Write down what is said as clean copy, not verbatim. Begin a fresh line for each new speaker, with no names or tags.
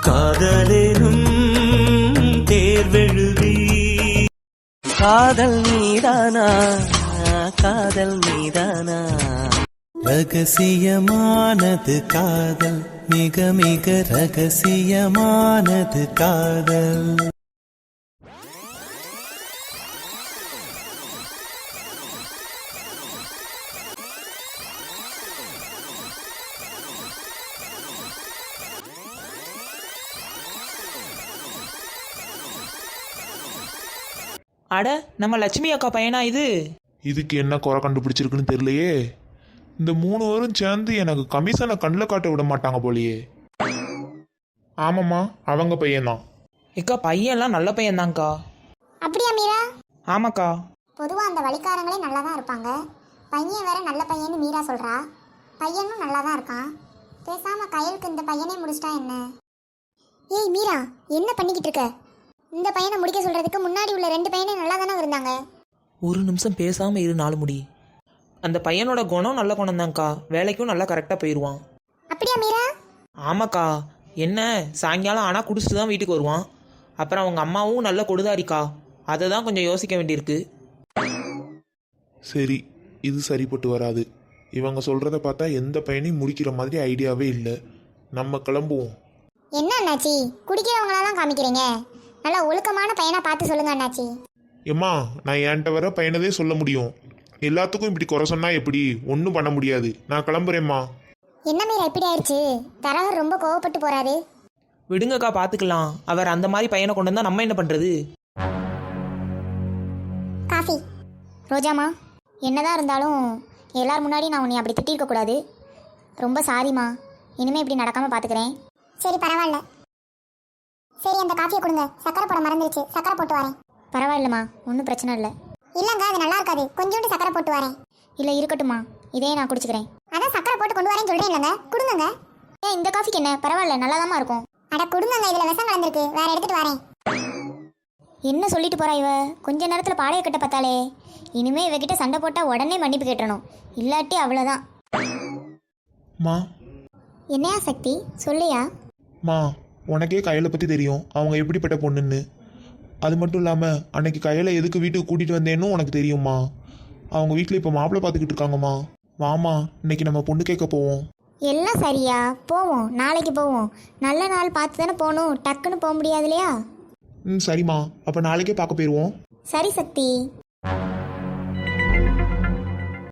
காதலேனும் தேர்வெழுதி காதல் மீதானா காதல் மீதானா ரகசியமானது காதல் மிக மிக ரகசியமானது காதல்.
அட, நம்ம லட்சுமி அக்கா பையனா இது?
இதுக்கு என்ன குறை கண்டுபிடிச்சிருக்குன்னு தெரியலையே. இந்த 3 பேரும் சேர்ந்து எனக்கு கமிஷனை கண்ணில் காட்ட விட மாட்டாங்க போலியே. ஆமாம்மா, அவங்க பையன்தான்.
அக்கா பையன்லாம் நல்ல பையன்தான்க்கா.
அப்படியா மீரா?
ஆமாக்கா.
பொதுவாக அந்த வழிகாரங்களே நல்லா தான் இருப்பாங்க. பையன் வேற நல்ல பையன்னு மீரா சொல்கிறா. பையனும் நல்லா தான் இருக்கான். பேசாமல் கையலுக்கு இந்த பையனே முடிச்சிட்டா என்ன? ஏய் மீரா, என்ன பண்ணிக்கிட்டு இருக்க? இந்த பையனை முடிக்க சொல்கிறதுக்கு முன்னாடி உள்ள 2 பையனே நல்லா தானே இருந்தாங்க.
ஒரு நிமிஷம் பேசாமல் இரு நாலு முடி. அந்த பையனோட குணம் நல்ல குணம் தான்க்கா. வேலைக்கும் நல்லா கரெக்டாக போயிடுவான்.
அப்படியா மீரா?
ஆமாக்கா. என்ன சாயங்காலம் ஆனால் குடிச்சிட்டு தான் வீட்டுக்கு வருவான். அப்புறம் அவங்க அம்மாவும் நல்ல கொடுதாரிக்கா. அதை தான் கொஞ்சம் யோசிக்க வேண்டியிருக்கு.
சரி, இது சரிப்பட்டு வராது. இவங்க சொல்கிறத பார்த்தா எந்த பையனையும் முடிக்கிற மாதிரி ஐடியாவே இல்லை. நம்ம கிளம்புவோம்.
என்ன அண்ணாச்சி, குடிக்கிறவங்களா தான் காமிக்கிறீங்க? நல்லா ஒழுக்கமான பையனை பார்த்து சொல்லுங்க அண்ணாச்சி.
ஏம்மா, நான் என்கிட்ட வர பையனதே சொல்ல முடியும். எல்லாத்துக்கும் இப்படி குறை சொன்னா எப்படி? ஒன்றும் பண்ண முடியாது. நான் கிளம்புறேம்மா.
என்ன மீரா இப்படி ஆயிடுச்சு? தரகர் ரொம்ப கோவப்பட்டு போறாரு.
விடுங்கக்கா, பார்த்துக்கலாம். அவர் அந்த மாதிரி பையனை கொண்டு வந்தால் நம்ம என்ன பண்ணுறது?
காஃபி. ரோஜாமா, என்னதான் இருந்தாலும் எல்லார் முன்னாடி நான் உன்னை அப்படி திட்டிருக்க கூடாது. ரொம்ப சாரிம்மா. இனிமேல் இப்படி நடக்காமல் பார்த்துக்கிறேன். சரி, பரவாயில்ல. சரி, அந்த காஃபியை கொடுங்க. சக்கரை போட மறந்துருச்சு. சக்கரை போட்டு வரேன். பரவாயில்லம்மா, ஒன்றும் பிரச்சனை இல்லை. இல்லைங்க, அது நல்லா இருக்காது. கொஞ்சோண்டு சக்கரை போட்டு வரேன். இல்லை, இருக்கட்டும்மா. இதே நான் குடிச்சுக்கிறேன். அதான் சக்கரை போட்டு கொண்டு வரேன்னு சொல்கிறேன் இல்லைங்க. கொடுங்க. ஏன் இந்த காஃபிக்கு என்ன? பரவாயில்ல, நல்லா தான் இருக்கும். அட கொடுங்க, இதில் விஷம் கலந்துருக்கு. வேற எடுத்துகிட்டு வரேன். என்ன சொல்லிட்டு போறா இவ? கொஞ்ச நேரத்தில் பாளைய கட்ட பார்த்தாலே. இனிமே இவகிட்ட சண்டை போட்டால் உடனே மன்னிப்பு கேட்டணும். இல்லாட்டி அவ்வளோதான்.
மா.
என்னையா சக்தி, சொல்லியா?
மா, உனக்கே கையலை பற்றி தெரியும், அவங்க எப்படிப்பட்ட பொண்ணுன்னு. அது மட்டும் இல்லாமல் அன்னைக்கு கையலை எதுக்கு வீட்டுக்கு கூட்டிகிட்டு வந்தேன்னு உனக்கு தெரியுமா? அவங்க வீட்டில் இப்போ மாப்பிள்ளை பார்த்துக்கிட்டு இருக்காங்கம்மா. வாமா, இன்னைக்கு நம்ம பொண்ணு கேட்க போவோம்.
எல்லாம் சரியா, போவோம். நாளைக்கு போவோம். நல்ல நாள் பார்த்து தானே போகணும். டக்குன்னு போக முடியாது இல்லையா?
சரிம்மா, அப்போ நாளைக்கே பார்க்க போயிடுவோம்.
சரி சக்தி.